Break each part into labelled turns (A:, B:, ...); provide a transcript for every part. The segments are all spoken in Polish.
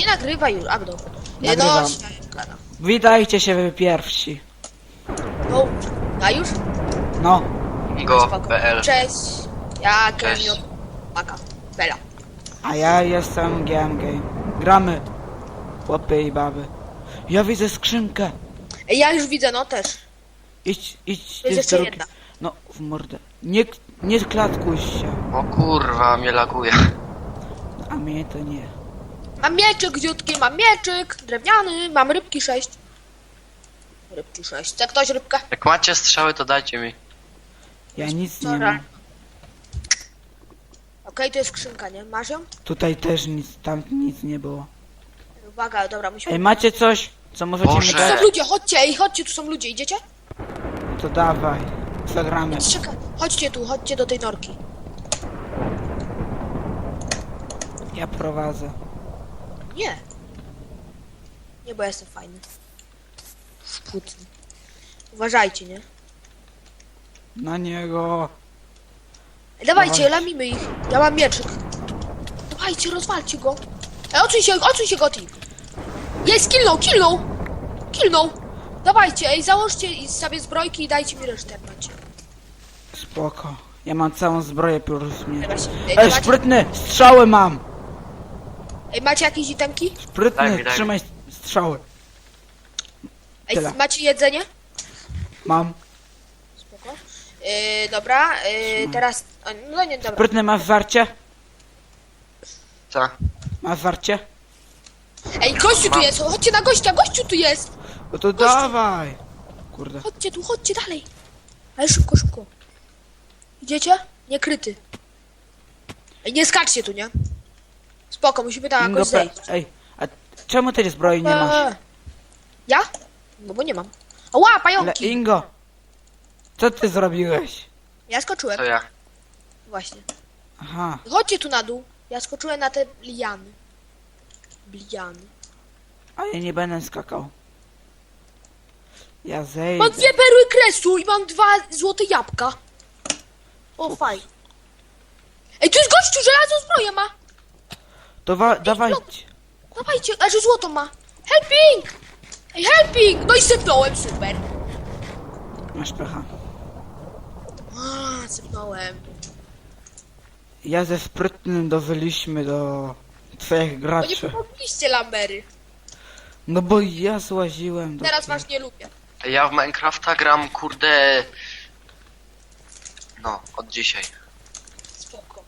A: Nie nagrywaj już, a dobra.
B: Nagrywam.
A: No, siemka.
B: Witajcie się wy pierwsi.
A: No, a już?
B: No,
C: Go.pl.
A: Cześć. Ja
C: Cześć.
A: Kevin Maka. Bela.
B: a ja jestem GMG. Gramy. Chłopy i baby. Ja widzę skrzynkę.
A: Ej, ja już widzę, no też.
B: Idź
A: Jest
B: ty z
A: jeszcze
B: drogi.
A: jedna.
B: No, w mordę. Nie klatkuj się.
C: O kurwa, mnie laguje.
B: A mnie to nie.
A: Mam mieczyk dziutki, mam mieczyk drewniany, mam rybki 6. Rybki 6. Chce ktoś rybkę?
C: Jak macie strzały, to dajcie mi.
B: Ja nic nie
A: Dobra.
B: mam.
A: Okej, to jest skrzynka, nie? Masz ją?
B: Tutaj też nic, tam nic nie było.
A: Uwaga, dobra, musimy...
B: Ej, macie coś, co możecie
C: Boże.
B: mi
A: Tu
B: dać?
A: są ludzie, chodźcie, ej, chodźcie, tu są ludzie, idziecie?
B: To dawaj. Zagramy.
A: Czekaj, chodźcie tu, chodźcie do tej norki.
B: Ja prowadzę.
A: Nie. Nie, bo ja jestem fajny. Sputny. Uważajcie, nie?
B: Na niego.
A: Ej, dawajcie,
B: Dawaj.
A: lamimy ich. Ja mam mieczyk. Dawajcie, rozwalcie go. Ej, odsuń się, Goti. Jest, killnął. Dawajcie, ej, załóżcie sobie zbrojki i dajcie mi resztę, jak macie.
B: Spoko. Ja mam całą zbroję plus mnie.
A: Ej,
B: Ej,
A: macie,
B: sprytny! Strzały mam!
A: ej, macie jakieś itemki?
C: Daj
B: Sprytny,
C: mi, daj mi.
B: trzymaj strzały.
A: Ej,
B: Tyle.
A: macie jedzenie?
B: Mam.
A: Spoko. Dobra, teraz... No nie, dobra.
B: Sprytny, masz żarcie?
C: Co?
B: Masz żarcie?
A: Ej, gościu tu jest, chodźcie na gościa, gościu tu jest.
B: No to dawaj! Kurde.
A: Chodźcie dalej. Ale szybko. Idziecie? Nie kryty. Ej, nie skaczcie tu, nie? Spoko, musimy tam
B: Ingo,
A: jakoś zejść.
B: ej, a czemu tej zbroi nie masz?
A: Ja? No bo nie mam. Ała,
B: Ale
A: pająki!
B: Ingo! Co ty zrobiłeś?
A: Ja skoczyłem,
C: To ja.
A: właśnie.
B: Aha.
A: Chodźcie tu na dół. Ja skoczyłem na te liany.
B: A ja nie będę skakał. Ja
A: Mam
B: zejdę.
A: 2 perły kresu i mam 2 złote jabłka. O, fajnie. Ej, tu jest gościu, żelazną zbroję ma.
B: To dawajcie.
A: Dawajcie, a że złoto ma. Helping! Ej, helping! No i sypnąłem, super.
B: Masz pecha.
A: A, sypnąłem.
B: Ja ze sprytnym dowyliśmy do twoich
A: Bo nie
B: graczy.
A: pomogliście, Lambery.
B: No bo ja złaziłem do
A: Teraz
B: tych.
A: was nie lubię.
C: Ja w Minecrafta gram, kurde... No, od dzisiaj.
A: Spoko.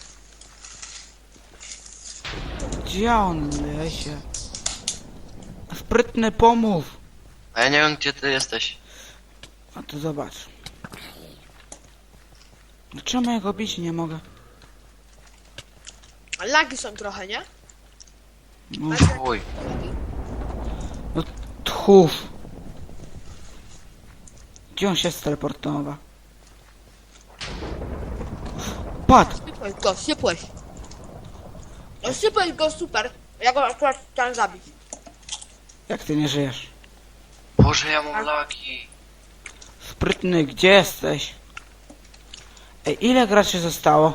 B: Gdzie on lesie? Sprytny, pomów!
C: A ja nie wiem, gdzie ty jesteś.
B: A to zobacz. No czemu ja go bić nie mogę?
A: Lagi są trochę, nie?
B: No,
A: Macie
C: Uj.
A: lagi?
B: tchów. Gdzie on się steleportował? Padł!
A: Sypłeś. No sypłeś go, super. Ja go akurat chciałem zabić.
B: Jak ty nie żyjesz?
C: Boże, ja mam lagi.
B: Sprytny, gdzie jesteś? Ej, ile graczy zostało?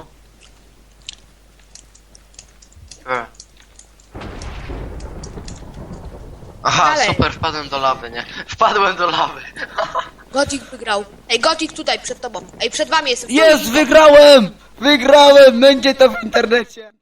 C: Aha,
A: Dalej.
C: super, wpadłem do lawy, nie? Wpadłem do lawy.
A: Gothic wygrał. Ej, Gothic tutaj, przed tobą. Ej, przed wami jestem.
B: Jest, wygrałem! Wygrałem! Będzie to w internecie!